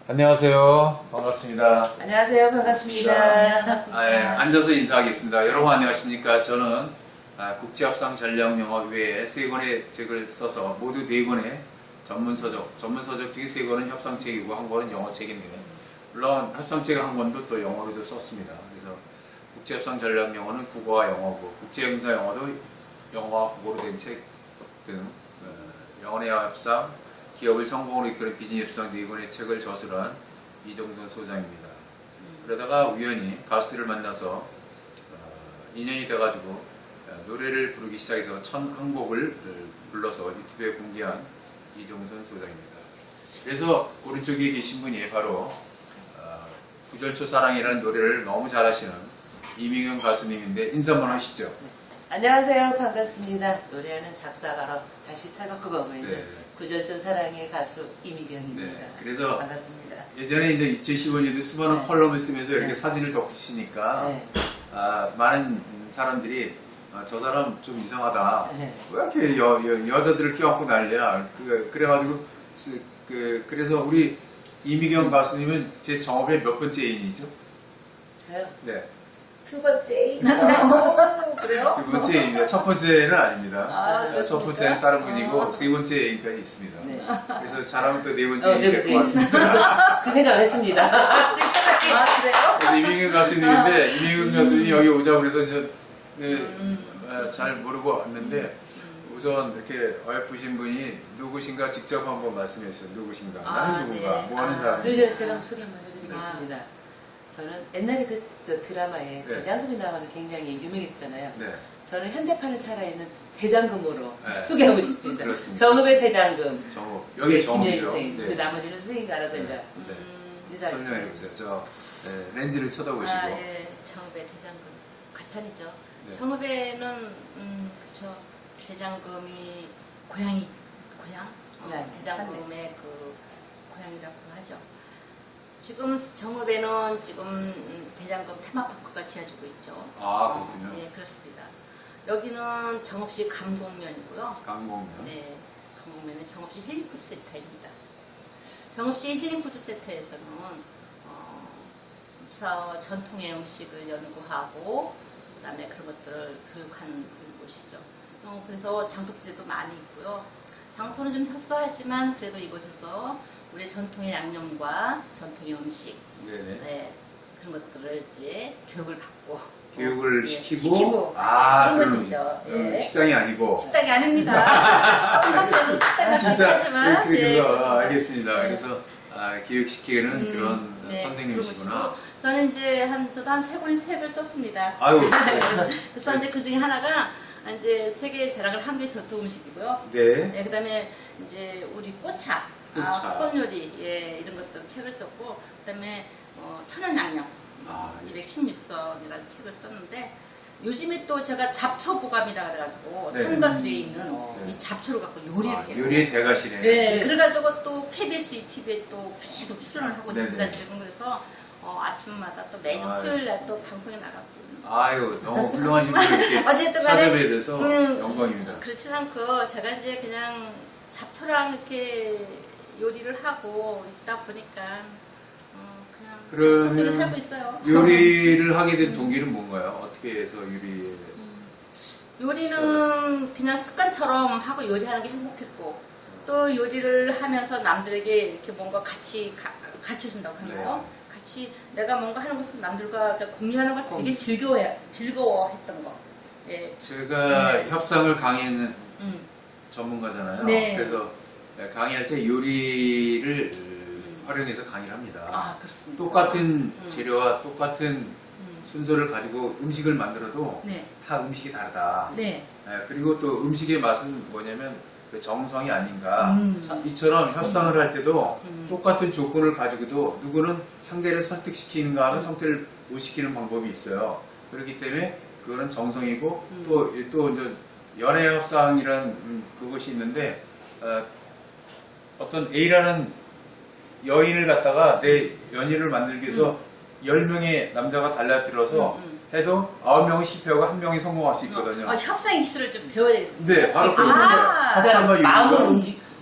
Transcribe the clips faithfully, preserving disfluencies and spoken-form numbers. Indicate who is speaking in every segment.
Speaker 1: 안녕하세요. 반갑습니다.
Speaker 2: 안녕하세요. 반갑습니다.
Speaker 1: 아, 예, 앉아서 인사하겠습니다. 여러분 안녕하십니까? 저는 아, 국제협상전략영어회에 세 권의 책을 써서 모두 네 권의 전문서적, 전문서적 중에 세 권은 협상책이고 한 권은 영어책인데 물론 협상책 한 권도 또 영어로도 썼습니다. 그래서 국제협상전략영어는 국어와 영어고 국제형사영어도 영어와 국어로 된 책 등 어, 영어내와 협상, 기업을 성공으로 이끄는 비즈니스 협상 네 권의 책을 저술한 이종선 소장입니다. 그러다가 우연히 가수들을 만나서 어, 인연이 돼가지고 어, 노래를 부르기 시작해서 천한 곡을 불러서 유튜브에 공개한 이종선 소장입니다. 그래서 오른쪽에 계신 분이 바로 어, 구절초 사랑이라는 노래를 너무 잘하시는 이미경 가수님인데 인사 한번 하시죠.
Speaker 2: 안녕하세요. 반갑습니다. 노래하는 작사가로 다시 탈바꿈하고 있는
Speaker 1: 네.
Speaker 2: 구절초 사랑의 가수 이미경입니다.
Speaker 1: 네, 그래서
Speaker 2: 반갑습니다.
Speaker 1: 예전에 이제 이천십오 년도 수많은
Speaker 2: 네.
Speaker 1: 컬럼을 쓰면서 이렇게
Speaker 2: 네.
Speaker 1: 사진을 덮으시니까
Speaker 2: 네.
Speaker 1: 아, 많은 사람들이 아, 저 사람 좀 이상하다.
Speaker 2: 네.
Speaker 1: 왜 이렇게 여, 여, 여자들을 껴안고 난리야. 그, 그래가지고 그, 그, 그래서 우리 이미경 가수님은 제 정업의 몇 번째 애인이죠?
Speaker 2: 저요?
Speaker 1: 네,
Speaker 3: 두 번째. 어, 그래요?
Speaker 1: 두 번째 애인입니다. 첫 번째는 아닙니다.
Speaker 3: 아,
Speaker 1: 첫
Speaker 3: 그렇습니까?
Speaker 1: 번째는 다른 분이고
Speaker 3: 어.
Speaker 1: 세 번째 애인까지 있습니다.
Speaker 2: 네.
Speaker 1: 그래서 잘하면 또 네 번째
Speaker 2: 어, 네
Speaker 1: 애인이
Speaker 2: 번째
Speaker 1: 고맙습니다.
Speaker 2: 그 생각 했습니다.
Speaker 3: 아, 그래요?
Speaker 1: 그래서 이민경 가수님인데 이민경 가수님이 여기 오자고 그래서 이제 네, 아, 잘 모르고 왔는데 우선 이렇게 어여쁘신 분이 누구신가 직접 한번 말씀해 주세요. 누구신가?
Speaker 3: 아,
Speaker 1: 나는 누군가?
Speaker 3: 네.
Speaker 1: 뭐 하는
Speaker 3: 아,
Speaker 1: 사람인지.
Speaker 2: 그래서 제가 소개 한번 해드리겠습니다. 저는 옛날에 그 저 드라마에
Speaker 1: 네.
Speaker 2: 대장금이 나와서 굉장히 유명했잖아요.
Speaker 1: 네.
Speaker 2: 저는 현대판에 살아있는 대장금으로
Speaker 1: 네.
Speaker 2: 소개하고 싶습니다.
Speaker 1: 그렇습니다.
Speaker 2: 정읍의 대장금.
Speaker 1: 정호. 여기 정호죠.
Speaker 2: 김혜생. 그 나머지는 스님 알아서
Speaker 1: 네.
Speaker 2: 이제
Speaker 1: 네.
Speaker 2: 음, 인사하십시오.
Speaker 1: 설명해 보세요. 저 네, 렌즈를 쳐다보시고.
Speaker 3: 아, 예. 정읍의 대장금. 과찬이죠.
Speaker 1: 네.
Speaker 3: 정읍에는, 음, 그쵸. 대장금이 고향이, 고향?
Speaker 2: 네,
Speaker 3: 어, 대장금의 그 고향이라고 하죠. 지금 정읍에는 지금 음, 대장금 테마파크가 지어지고 있죠.
Speaker 1: 아, 그렇군요.
Speaker 3: 네, 그렇습니다. 여기는 정읍시 감곡면이고요.
Speaker 1: 강공면.
Speaker 3: 네, 강곡면은 정읍시 힐링푸드 센터입니다. 정읍시 힐링푸드 센터에서는 어, 저 전통의 음식을 연구하고 그다음에 그런 것들을 교육하는 그런 곳이죠. 어, 그래서 장독제도 많이 있고요. 장소는 좀 협소하지만 그래도 이곳에서 우리 전통의 양념과 전통의 음식,
Speaker 1: 네네.
Speaker 3: 네, 그런 것들을 이제 교육을 받고
Speaker 1: 교육을
Speaker 3: 예,
Speaker 1: 시키고,
Speaker 3: 시키고
Speaker 1: 아,
Speaker 3: 그런
Speaker 1: 그럼,
Speaker 3: 것이죠.
Speaker 1: 음,
Speaker 3: 예.
Speaker 1: 식당이 아니고.
Speaker 3: 식당이 아닙니다. 조금 밖에는 식당 같긴
Speaker 1: 진짜
Speaker 3: 하지만
Speaker 1: 그렇게
Speaker 3: 예,
Speaker 1: 그래서
Speaker 3: 그렇습니다.
Speaker 1: 아, 알겠습니다.
Speaker 3: 네.
Speaker 1: 그래서 아, 교육시키는
Speaker 3: 음,
Speaker 1: 그런
Speaker 3: 네,
Speaker 1: 선생님이시구나.
Speaker 3: 그런 곳이고, 저는 이제 한 저도 한 세 권의 책을 썼습니다.
Speaker 1: 아유,
Speaker 3: 그래서 이제 그 중에 하나가 이제 세계 자랑을 한국의 전통 음식이고요.
Speaker 1: 네.
Speaker 3: 네, 그다음에 이제 우리 꽃차,
Speaker 1: 꽃차.
Speaker 3: 아, 꽃요리 예, 이런 것들 책을 썼고, 그다음에 어, 천연 양념
Speaker 1: 아, 예.
Speaker 3: 이백십육 선이라는 책을 썼는데 요즘에 또 제가 잡초 보감이라 그래가지고
Speaker 1: 네.
Speaker 3: 산과들에 있는
Speaker 1: 네.
Speaker 3: 이 잡초를 갖고 요리를
Speaker 1: 아,
Speaker 3: 해요.
Speaker 1: 요리의 대가시네.
Speaker 3: 네, 그래가지고 또 케이비에스 이티비에 또 계속 출연을 하고
Speaker 1: 네네.
Speaker 3: 있습니다. 지금 그래서 어, 아침마다 또 매주
Speaker 1: 아,
Speaker 3: 수요일 날 또 방송에 나가고.
Speaker 1: 아유, 너무 훌륭하신 분을 이렇게
Speaker 3: 어쨌든 간에
Speaker 1: 찾아뵈야 돼서
Speaker 3: 음,
Speaker 1: 영광입니다.
Speaker 3: 그렇지 않고 제가 이제 그냥 잡초랑 이렇게 요리를 하고 있다 보니까 어, 그냥
Speaker 1: 그러면
Speaker 3: 잡초 속에 살고 있어요.
Speaker 1: 요리를 하게 된 동기는 뭔가요? 어떻게 해서 요리에
Speaker 3: 요리는 그냥 습관처럼 하고 요리하는 게 행복했고 또 요리를 하면서 남들에게 이렇게 뭔가 같이 가, 같이 준다고 하나요?
Speaker 1: 네.
Speaker 3: 같이 내가 뭔가 하는 것을 남들과 공유하는 걸 되게 즐거워해 즐거워했던 거. 예.
Speaker 1: 제가
Speaker 3: 네.
Speaker 1: 협상을 강의하는
Speaker 3: 음.
Speaker 1: 전문가잖아요.
Speaker 3: 네.
Speaker 1: 그래서 강의할 때 요리를 활용해서 강의를 합니다.
Speaker 3: 아 그렇습니다.
Speaker 1: 똑같은
Speaker 3: 음.
Speaker 1: 재료와 똑같은
Speaker 3: 음.
Speaker 1: 순서를 가지고 음식을 만들어도
Speaker 3: 네.
Speaker 1: 다 음식이 다르다.
Speaker 3: 네.
Speaker 1: 예, 그리고 또 음식의 맛은 뭐냐면 그 정성이 아닌가.
Speaker 3: 음.
Speaker 1: 자, 이처럼 협상을 할 때도
Speaker 3: 음.
Speaker 1: 똑같은 조건을 가지고도 누구는 상대를 설득시키는가 하면 상대를 못 시키는 방법이 있어요. 그렇기 때문에 그거는 정성이고
Speaker 3: 음.
Speaker 1: 또, 또 이제 연애 협상이라는 음, 그것이 있는데 어, 어떤 A라는 여인을 갖다가 내 연인을 만들기 위해서 열 명의 남자가 달라들어서
Speaker 3: 음, 음.
Speaker 1: 해도 아홉 명은 실패하고 한 명이 성공할 수 있거든요.
Speaker 3: 어, 협상 기술을 좀 배워야 되겠습니다.
Speaker 1: 네, 바로
Speaker 3: 아,
Speaker 1: 그렇습니다.
Speaker 3: 아,
Speaker 2: 그 사람
Speaker 1: 협상과
Speaker 2: 마음을
Speaker 1: 요리가
Speaker 2: 움직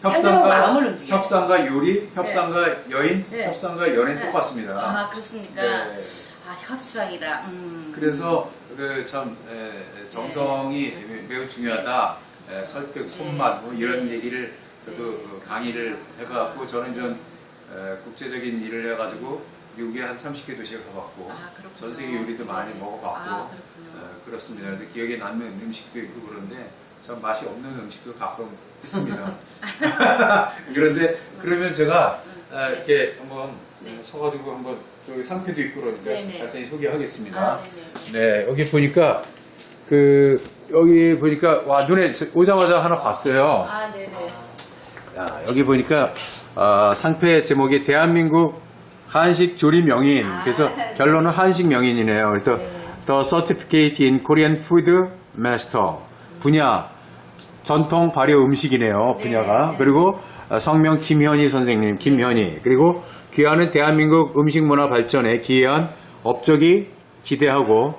Speaker 2: 살려고 마음을 움직여요.
Speaker 1: 협상과 요리, 협상과 여인,
Speaker 3: 네.
Speaker 1: 협상과 연애
Speaker 3: 네.
Speaker 1: 똑같습니다.
Speaker 3: 아 그렇습니까?
Speaker 1: 네.
Speaker 3: 아 협상이라. 음.
Speaker 1: 그래서 그 참 정성이 매우 중요하다. 에, 설득, 손맛 뭐 이런
Speaker 3: 네.
Speaker 1: 얘기를 저도
Speaker 3: 네.
Speaker 1: 어, 강의를 해봤고 저는 좀 에, 국제적인 일을 해가지고 미국에 한 삼십 개 도시에 가봤고
Speaker 3: 아, 그렇군요.
Speaker 1: 전 세계 요리도 많이
Speaker 3: 네.
Speaker 1: 먹어봤고
Speaker 3: 아, 그렇군요.
Speaker 1: 에, 그렇습니다. 그래서 기억에 남는 음식도 있고 그런데 참 맛이 없는 음식도 가끔 있습니다. 그런데 그러면 제가 아, 이렇게 한번
Speaker 3: 네.
Speaker 1: 서가지고 한번 저기 상표도 있고 그러니까
Speaker 3: 네네.
Speaker 1: 간단히 소개하겠습니다.
Speaker 3: 아, 네네.
Speaker 1: 네, 여기 보니까 그 여기 보니까 와 눈에 저- 오자마자 하나 봤어요.
Speaker 3: 아 네네.
Speaker 1: 야, 여기 보니까 어, 상패 제목이 대한민국 한식 조리 명인.
Speaker 3: 아.
Speaker 1: 그래서 결론은 한식 명인이네요. 그래서
Speaker 3: 네.
Speaker 1: The Certificate in Korean Food Master 분야 전통 발효 음식이네요.
Speaker 3: 네,
Speaker 1: 분야가.
Speaker 3: 네.
Speaker 1: 그리고 어, 성명 김현희 선생님, 김현희. 그리고 귀하는 대한민국 음식 문화 발전에 기여한 업적이 지대하고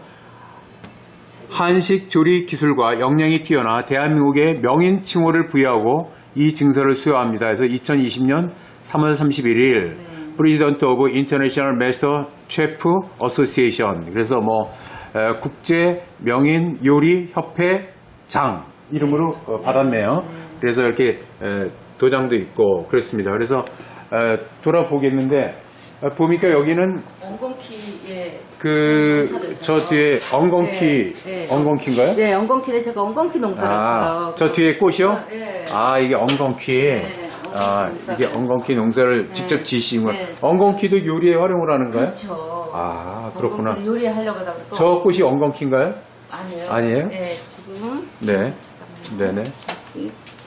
Speaker 1: 한식 조리 기술과 역량이 뛰어나 대한민국의 명인 칭호를 부여하고 이 증서를 수여합니다. 그래서 이천이십 년 삼월 삼십일 일
Speaker 3: 네.
Speaker 1: 프레지던트 오브 인터내셔널 메스터 셰프 어소시에이션 그래서 뭐 에, 국제 명인 요리 협회 장 이름으로 어, 받았네요. 그래서 이렇게 에, 도장도 있고 그렇습니다. 그래서 에, 돌아보겠는데 어, 보니까 여기는
Speaker 3: 엉겅퀴에
Speaker 1: 그 저 뒤에 엉겅퀴
Speaker 3: 네, 네.
Speaker 1: 엉겅퀴인가요?
Speaker 3: 네 엉겅퀴는 제가 엉겅퀴 농사를
Speaker 1: 아,
Speaker 3: 지어요.
Speaker 1: 저 뒤에 꽃이요?
Speaker 3: 네.
Speaker 1: 아, 이게 엉겅퀴.
Speaker 3: 네,
Speaker 1: 아,
Speaker 3: 엉겅퀴
Speaker 1: 이게 엉겅퀴 농사를 직접 지으신 거예요.
Speaker 3: 네.
Speaker 1: 엉겅퀴도 요리에 활용을 하는가요?
Speaker 3: 그렇죠.
Speaker 1: 아, 그렇구나.
Speaker 3: 엉겅퀴를 요리하려고 하다 보니까
Speaker 1: 저 꽃이 엉겅퀴인가요?
Speaker 3: 아니에요.
Speaker 1: 아니에요?
Speaker 3: 네 지금
Speaker 1: 네. 네네.
Speaker 3: 이-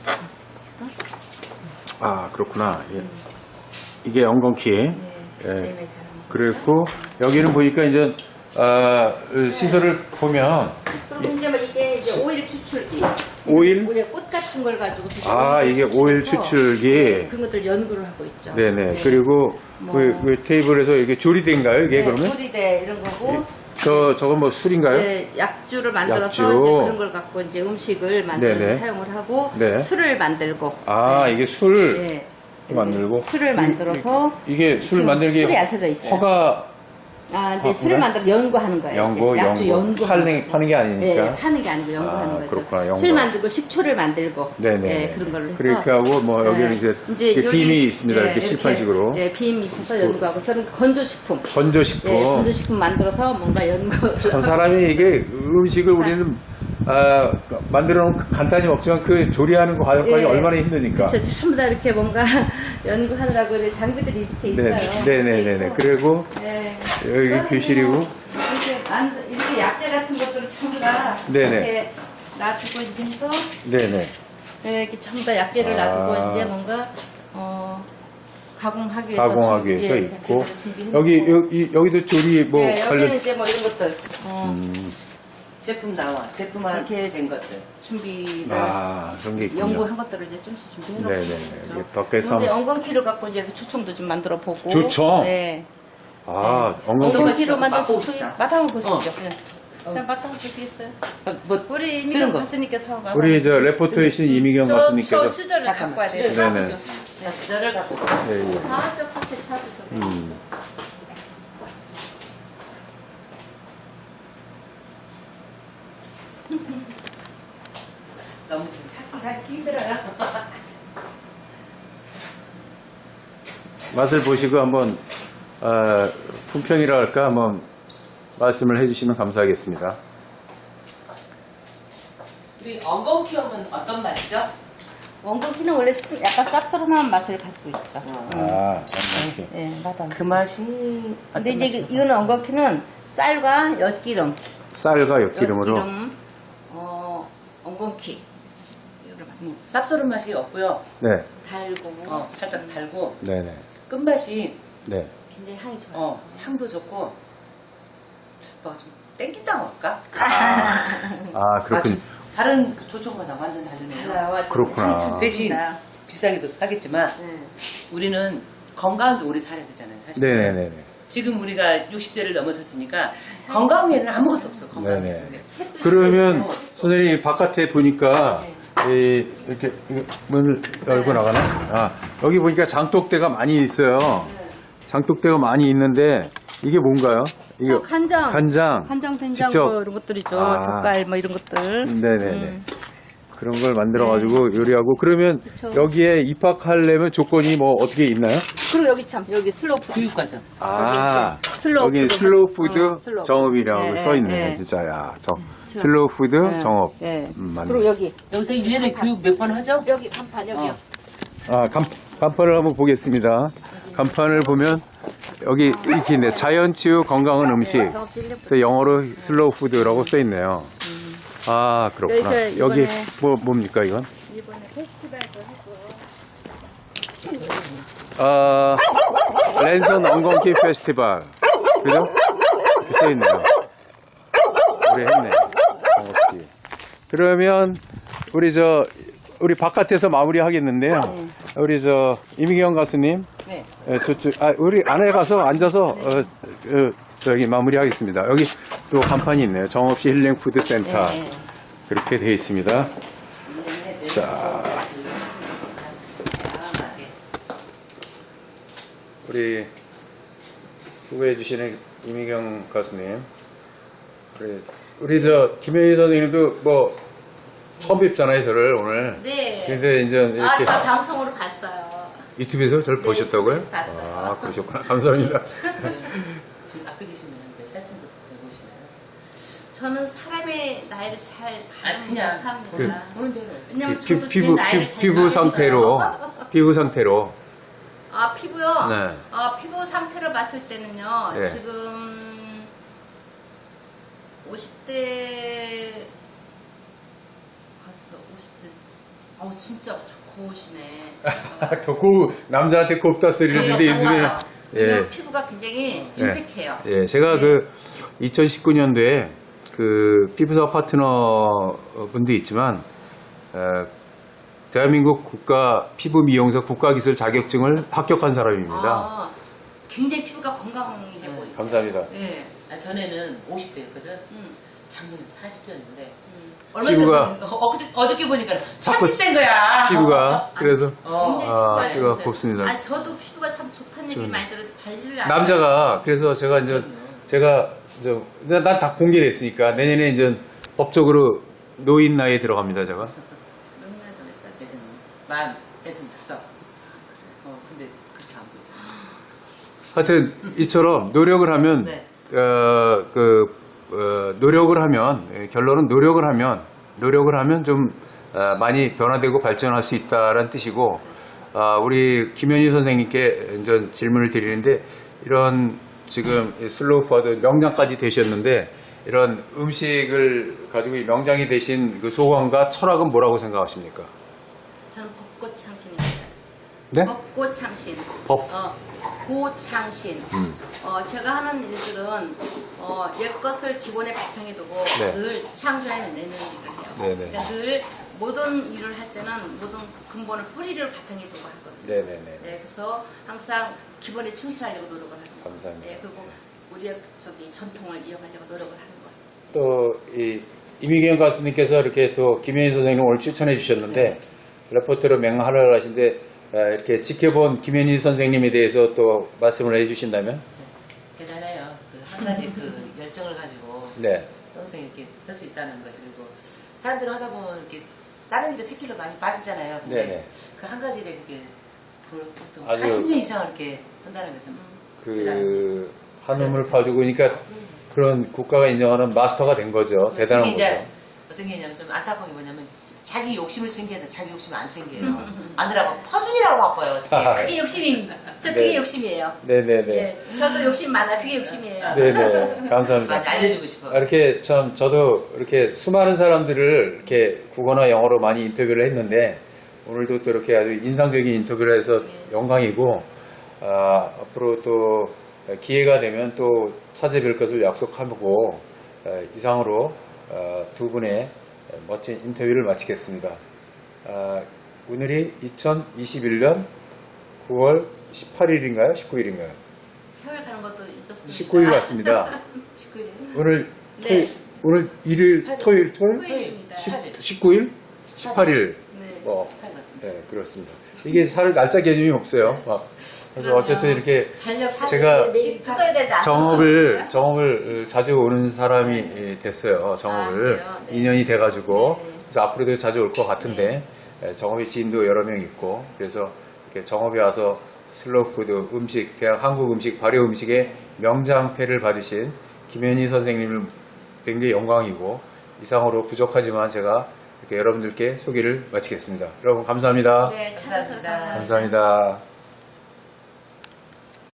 Speaker 1: 아, 그렇구나. 예. 이게 엉겅퀴.
Speaker 3: 네.
Speaker 1: 예.
Speaker 3: 네, 네,
Speaker 1: 그랬고, 여기는 보니까 이제, 아, 시설을 보면,
Speaker 3: 그리고 이제 뭐 이게 이제 오일 추출기.
Speaker 1: 오일?
Speaker 3: 오일 꽃 같은 걸 가지고
Speaker 1: 아, 이게 오일
Speaker 3: 추출해서
Speaker 1: 추출기.
Speaker 3: 네, 그런 것들 연구를 하고 있죠.
Speaker 1: 네네. 그리고
Speaker 3: 뭐.
Speaker 1: 그, 그 테이블에서 이게 조리대인가요? 이게
Speaker 3: 네,
Speaker 1: 그러면?
Speaker 3: 조리대 이런 거고.
Speaker 1: 저, 저건 뭐 술인가요?
Speaker 3: 네, 약주를 만들어서
Speaker 1: 약주.
Speaker 3: 이제 그런 걸 갖고 이제 음식을 만들어
Speaker 1: 네네.
Speaker 3: 사용을 하고
Speaker 1: 네.
Speaker 3: 술을 만들고.
Speaker 1: 아,
Speaker 3: 네.
Speaker 1: 이게 술
Speaker 3: 네.
Speaker 1: 만들고.
Speaker 3: 술을
Speaker 1: 이-
Speaker 3: 만들어서
Speaker 1: 이- 이게 술
Speaker 3: 지금
Speaker 1: 만들기
Speaker 3: 술이 안 쳐져 있어요.
Speaker 1: 허가
Speaker 3: 아, 이제
Speaker 1: 아,
Speaker 3: 술을
Speaker 1: 그래?
Speaker 3: 만들어서 연구하는 거예요.
Speaker 1: 연구,
Speaker 3: 이제 약주
Speaker 1: 연구.
Speaker 3: 연구.
Speaker 1: 파는, 파는 게 아니니까.
Speaker 3: 네, 파는 게 아니고 연구하는
Speaker 1: 아,
Speaker 3: 거죠.
Speaker 1: 그렇구나, 연구.
Speaker 3: 술 만들고 식초를 만들고.
Speaker 1: 네네.
Speaker 3: 네, 그런 걸로 해서.
Speaker 1: 그렇게 하고, 뭐, 여기는 이제, 이렇게
Speaker 3: 요리-
Speaker 1: 빔이 있습니다.
Speaker 3: 네,
Speaker 1: 이렇게 칠판식으로.
Speaker 3: 네, 빔이 있어서 연구하고. 저는 건조식품.
Speaker 1: 건조식품.
Speaker 3: 네, 건조식품 만들어서 뭔가 연구.
Speaker 1: 전 사람이 이게 음식을 우리는, 아, 만들어 놓으면 간단히 먹지만 그 조리하는 거 과정까지
Speaker 3: 예.
Speaker 1: 얼마나 힘드니까.
Speaker 3: 그렇죠. 전부 다 이렇게 뭔가 연구하느라고 이제 장비들이 이렇게 있어요.
Speaker 1: 네, 네네네네. 그리고
Speaker 3: 네.
Speaker 1: 여기
Speaker 3: 그거는
Speaker 1: 교실이고.
Speaker 3: 뭐 이렇게 만들 이렇게 약재 같은 것들을 전부 다
Speaker 1: 네네.
Speaker 3: 이렇게 놔두고 이제 해서
Speaker 1: 네네.
Speaker 3: 네, 이렇게 전부 다 약재를
Speaker 1: 아.
Speaker 3: 놔두고 이제 뭔가 어 가공하기 위해서
Speaker 1: 가공하기
Speaker 3: 준비-
Speaker 1: 위해서
Speaker 3: 예,
Speaker 1: 있고.
Speaker 3: 장비들을 준비해놓고.
Speaker 1: 여기, 여기, 여기도 조리 뭐
Speaker 3: 네,
Speaker 1: 관련.
Speaker 3: 여기는 이제 뭐 이런 것들 어,
Speaker 1: 음,
Speaker 2: 제품 나와. 제품화
Speaker 3: 이렇게
Speaker 2: 된 것들.
Speaker 3: 준비를
Speaker 1: 아, 그런 게 있군요.
Speaker 3: 연구한 것들을 이제 좀씩 준비해놓고
Speaker 1: 네네.
Speaker 3: 있죠.
Speaker 1: 이게 밖에서
Speaker 3: 근데 엉겅퀴를 갖고 이제 이렇게 초청도 좀 만들어 보고.
Speaker 1: 초청?
Speaker 3: 네.
Speaker 1: 아, 엉겅퀴.
Speaker 3: 엉겅퀴로 만든
Speaker 2: 맛보고
Speaker 3: 초청이
Speaker 2: 싶다.
Speaker 3: 맛 한번 보시죠.
Speaker 2: 어.
Speaker 3: 네. 그냥 맛 한번 보시겠어요?
Speaker 2: 아, 뭐
Speaker 3: 우리
Speaker 2: 뜨는
Speaker 3: 이미경
Speaker 2: 거.
Speaker 3: 교수님께서 맛
Speaker 1: 우리
Speaker 3: 한번
Speaker 1: 저 레포터에 신 이미경
Speaker 3: 저, 저
Speaker 1: 교수님께서.
Speaker 3: 수저를
Speaker 2: 잠깐만.
Speaker 3: 갖고 와야 돼요.
Speaker 2: 수저.
Speaker 1: 네네.
Speaker 2: 자, 수저를 갖고.
Speaker 1: 예, 예.
Speaker 3: 저쪽 끝에 차도 좀.
Speaker 1: 음.
Speaker 2: 너무 좀 찾기 가기 힘들어요.
Speaker 1: 맛을 보시고 한번 어, 품평이라 할까 한번 말씀을 해주시면 감사하겠습니다.
Speaker 2: 우리 엉겅퀴 하면 어떤 맛이죠?
Speaker 3: 엉겅퀴는 원래 스- 약간 쌉싸름한 맛을 가지고 있죠.
Speaker 1: 아, 엉겅퀴.
Speaker 3: 네, 맛은.
Speaker 2: 그 맛이
Speaker 3: 근데
Speaker 2: 어떤
Speaker 3: 이제
Speaker 2: 맛이죠?
Speaker 3: 그- 이거는 엉겅퀴는 쌀과 엿기름,
Speaker 1: 쌀과 엿기름으로.
Speaker 3: 엿기름, 어, 엉겅퀴. 이거를 막
Speaker 2: 음, 쌉소른 맛이 없고요.
Speaker 1: 네,
Speaker 3: 달고
Speaker 2: 어, 살짝 달고
Speaker 1: 네네.
Speaker 2: 끝맛이
Speaker 1: 네.
Speaker 3: 굉장히 향이 좋아요.
Speaker 2: 어, 향도 좋고 뭐가 좀 땡긴다고 할까?
Speaker 1: 아, 그렇군.
Speaker 2: 아주 다른 그 조청과는 완전 다르네요.
Speaker 3: 달라요. 아주
Speaker 1: 그렇구나.
Speaker 3: 향이 참
Speaker 2: 대신
Speaker 3: 좋습니다.
Speaker 2: 비싸기도 하겠지만
Speaker 3: 네.
Speaker 2: 우리는 건강하게 오래 살아야 되잖아요, 사실.
Speaker 1: 네네네네.
Speaker 2: 지금 우리가 육십 대를 넘어섰으니까 건강에는 아무것도 없어, 건강에.
Speaker 1: 네네.
Speaker 2: 근데
Speaker 1: 그러면 선생님 바깥에 보니까 이, 이렇게 이거 문을 열고 나가나? 아, 여기 보니까 장독대가 많이 있어요. 장독대가 많이 있는데 이게 뭔가요? 이게
Speaker 3: 어, 간장.
Speaker 1: 간장.
Speaker 3: 간장, 된장
Speaker 1: 직접.
Speaker 3: 뭐 이런 것들이죠.
Speaker 1: 아.
Speaker 3: 젓갈 뭐 이런 것들.
Speaker 1: 네네네.
Speaker 3: 음.
Speaker 1: 그런 걸 만들어가지고 요리하고 그러면
Speaker 3: 그쵸.
Speaker 1: 여기에 입학하려면 조건이 뭐 어떻게 있나요?
Speaker 3: 그리고 여기 참 여기 슬로우 푸드.
Speaker 2: 교육과정.
Speaker 1: 아,
Speaker 3: 슬로우
Speaker 1: 여기
Speaker 3: 푸드.
Speaker 1: 슬로우 푸드
Speaker 3: 어, 슬로우
Speaker 1: 정업이라고
Speaker 3: 푸드. 예,
Speaker 1: 써있네,
Speaker 3: 예.
Speaker 1: 진짜. 야, 저, 슬로우 푸드
Speaker 3: 예,
Speaker 1: 정업.
Speaker 3: 예.
Speaker 1: 음, 맞네.
Speaker 3: 그리고 여기
Speaker 2: 여기서 일 년에 교육 몇 번 하죠?
Speaker 3: 여기 간판 여기요.
Speaker 1: 아, 간, 간판을 한번 보겠습니다. 간판을 보면 여기 이렇게 있네. 자연치유 건강한 음식.
Speaker 3: 정없이 일 년
Speaker 1: 그래서 영어로 슬로우 푸드라고 써있네요. 아, 그렇구나.
Speaker 3: 여기서
Speaker 1: 여기
Speaker 3: 이번에-
Speaker 1: 뭐, 뭡니까, 이건?
Speaker 3: 이번에 페스티벌도 하고.
Speaker 1: 아, 랜선 엉겅키 페스티벌. 그죠? 이렇게 써있네요. 우리 했네. 정확히. 그러면, 우리 저, 우리 바깥에서 마무리 하겠는데요. 우리 저, 이미경 가수님.
Speaker 2: 네.
Speaker 1: 예, 저쪽, 아, 우리 안에 가서 앉아서, 어, 어, 저기 마무리 하겠습니다. 여기 또 간판이 있네요. 정없이 힐링 푸드 센터.
Speaker 2: 네.
Speaker 1: 그렇게 되어 있습니다. 자. 우리 후보해 주시는 이미경 가수님. 우리, 우리 저, 김혜희 선생님도 뭐, 처음 뵙잖아요, 저를 오늘.
Speaker 3: 네.
Speaker 1: 근데 이제
Speaker 3: 아,
Speaker 1: 이렇게
Speaker 3: 저 방송으로 봤어요.
Speaker 1: 유튜브에서 저를
Speaker 3: 네,
Speaker 1: 보셨다고요?
Speaker 3: 유튜브에서 봤어요.
Speaker 1: 아, 그러셨구나. 감사합니다.
Speaker 2: 지금 앞에 계시면 몇 살 정도 되시나요?
Speaker 3: 저는 사람의 나이를 잘
Speaker 2: 아,
Speaker 3: 가늠
Speaker 2: 그냥
Speaker 3: 못합니다.
Speaker 1: 그-
Speaker 2: 모르는 대로.
Speaker 3: 왜냐면
Speaker 1: 피,
Speaker 3: 저도 제
Speaker 1: 피부,
Speaker 3: 나이를
Speaker 1: 피,
Speaker 3: 잘
Speaker 1: 피부
Speaker 3: 모르니까요.
Speaker 1: 상태로, 피부 상태로.
Speaker 3: 아, 피부요?
Speaker 1: 네.
Speaker 3: 아, 피부 상태를 봤을 때는요,
Speaker 1: 네.
Speaker 3: 지금 오십 대 갔어, 오십 대. 아우, 진짜 고우시네.
Speaker 1: 덕후 남자한테 곱다 소리를 듣는데 요즘에
Speaker 3: 예.
Speaker 1: 예,
Speaker 3: 피부가 굉장히
Speaker 1: 네.
Speaker 3: 윤택해요.
Speaker 1: 예, 제가
Speaker 3: 네.
Speaker 1: 그 이천십구 년도에 그 피부사 파트너 분도 있지만 어, 대한민국 국가 피부 미용사 국가기술 자격증을 합격한 사람입니다.
Speaker 3: 아, 굉장히 피부가 건강해 보여요.
Speaker 1: 감사합니다.
Speaker 3: 예.
Speaker 2: 아, 전에는 오십 대였거든.
Speaker 3: 음.
Speaker 2: 작년에 사십 대였는데.
Speaker 3: 음.
Speaker 2: 얼마
Speaker 1: 피부가-
Speaker 2: 전에 보니까, 어, 어저께, 어저께 보니까
Speaker 1: 자꾸
Speaker 2: 삼십 대인 거야.
Speaker 1: 피부가 그래서
Speaker 2: 어.
Speaker 3: 굉장히
Speaker 1: 아,
Speaker 3: 피부가
Speaker 1: 피부가
Speaker 3: 좋은데.
Speaker 1: 곱습니다.
Speaker 3: 아, 저도 피부가 참 좋다는 얘기
Speaker 1: 좋네.
Speaker 3: 많이 들어도 관리를 안
Speaker 1: 남자가 그래서 제가 이제 제가 난 다 공개됐으니까 내년에 이제 법적으로 노인 나이에 들어갑니다 제가.
Speaker 3: 너무나 좀 했어요.
Speaker 2: 대신 만 대신 다섯. 어, 근데 그렇게 안 보이잖아.
Speaker 1: 하여튼 이처럼 노력을 하면
Speaker 2: 네.
Speaker 1: 어, 그 어, 노력을 하면 예, 결론은 노력을 하면 노력을 하면 좀 어, 많이 변화되고 발전할 수 있다라는 뜻이고 아, 우리 김현희 선생님께 이제 질문을 드리는데 이런 지금 이 슬로우 푸드 명장까지 되셨는데 이런 음식을 가지고 이 명장이 되신 그 소감과 철학은 뭐라고 생각하십니까?
Speaker 3: 저는 벚꽃창신입니다.
Speaker 1: 네?
Speaker 3: 벚꽃창신.
Speaker 1: 법.
Speaker 3: 어, 고창신.
Speaker 1: 음.
Speaker 3: 어, 제가 하는 일들은 어, 옛 것을 기본에 바탕에 두고
Speaker 1: 네.
Speaker 3: 늘 창조해내는 일을 해요.
Speaker 1: 네네.
Speaker 3: 그러니까 늘 모든 일을 할 때는 모든 근본을 뿌리를 바탕에 두고 하거든요.
Speaker 1: 네네네.
Speaker 3: 네, 그래서 항상 기본에 충실하려고 노력을 하는 거예요.
Speaker 1: 감사합니다.
Speaker 3: 네, 그리고 우리의 저기 전통을 이어가려고 노력을 하는 거예요.
Speaker 1: 또 이 이미경 가수님께서 이렇게 또 김현희 선생님 오늘 추천해 주셨는데 레포트로 맹활약을 하신데 아, 이렇게 지켜본 김현희 선생님에 대해서 또 말씀을 해주신다면
Speaker 2: 대단해요. 그 한 가지 그 열정을 가지고
Speaker 1: 네,
Speaker 2: 평생 이렇게 할 수 있다는 것이 그리고 사람들은 하다 보면 이렇게 다른 일에 새길로 많이 빠지잖아요. 근데
Speaker 1: 네네.
Speaker 2: 그 한 가지 일에 그게 보통
Speaker 1: 아주-
Speaker 2: 사십 년 이상을 이렇게 한다는 거죠.
Speaker 1: 그 한움을 파주고 그러니까 그런 국가가 인정하는 마스터가 된 거죠. 대단한
Speaker 2: 특히 이제
Speaker 1: 거죠.
Speaker 2: 어떤 게 있냐면 좀 안타까운 게 뭐냐면 자기 욕심을 챙겨야 돼. 자기 욕심을 안 챙겨요. 아느라고 퍼준이라고 바빠요. 어떻게.
Speaker 3: 그게 욕심입니다. 저 그게
Speaker 1: 네.
Speaker 3: 욕심이에요.
Speaker 1: 네네네.
Speaker 3: 예, 저도 욕심 많아. 그게 욕심이에요.
Speaker 1: 네네. 감사합니다.
Speaker 2: 많이 알려주고 싶어.
Speaker 1: 아, 이렇게 참 저도 이렇게 수많은 사람들을 이렇게 국어나 영어로 많이 인터뷰를 했는데 오늘도 또 이렇게 아주 인상적인 인터뷰를 해서 영광이고 아, 앞으로 또 기회가 되면 또 찾아뵐 것을 약속하고 아, 이상으로 아, 두 분의 멋진 인터뷰를 마치겠습니다. 아, 오늘이 이천이십일 년 구월 십팔일인가요? 십구일인가요?
Speaker 3: 세월 가는 것도 있었습니다.
Speaker 1: 십구일 같습니다.
Speaker 2: 십구 일에
Speaker 1: 오늘
Speaker 3: 네.
Speaker 1: 토, 오늘 일일
Speaker 2: 십팔 일.
Speaker 1: 토요일 토요일
Speaker 3: 토요일입니다.
Speaker 2: 십팔 일.
Speaker 1: 십구 일 십팔 일.
Speaker 3: 네.
Speaker 1: 뭐,
Speaker 2: 십팔 같은데.
Speaker 1: 네, 그렇습니다. 이게 살 날짜 개념이 없어요. 막. 그래서 어쨌든 이렇게
Speaker 2: 전력
Speaker 1: 제가
Speaker 3: 매일 붙어야 된다.
Speaker 1: 정업을, 정업을 자주 오는 사람이 됐어요. 정업을.
Speaker 3: 아, 그래요? 네.
Speaker 1: 이 년이 돼가지고.
Speaker 3: 네.
Speaker 1: 그래서 앞으로도 자주 올 것 같은데, 예, 정업이 지인도 여러 명 있고, 그래서 이렇게 정업에 와서 슬로푸드 음식, 대학 한국 음식, 발효 음식의 명장패를 받으신 김현희 선생님을 굉장히 영광이고, 이상으로 부족하지만 제가 이렇게 여러분들께 소개를 마치겠습니다. 여러분 감사합니다.
Speaker 3: 네, 찾아서
Speaker 2: 감사합니다.
Speaker 1: 감사합니다.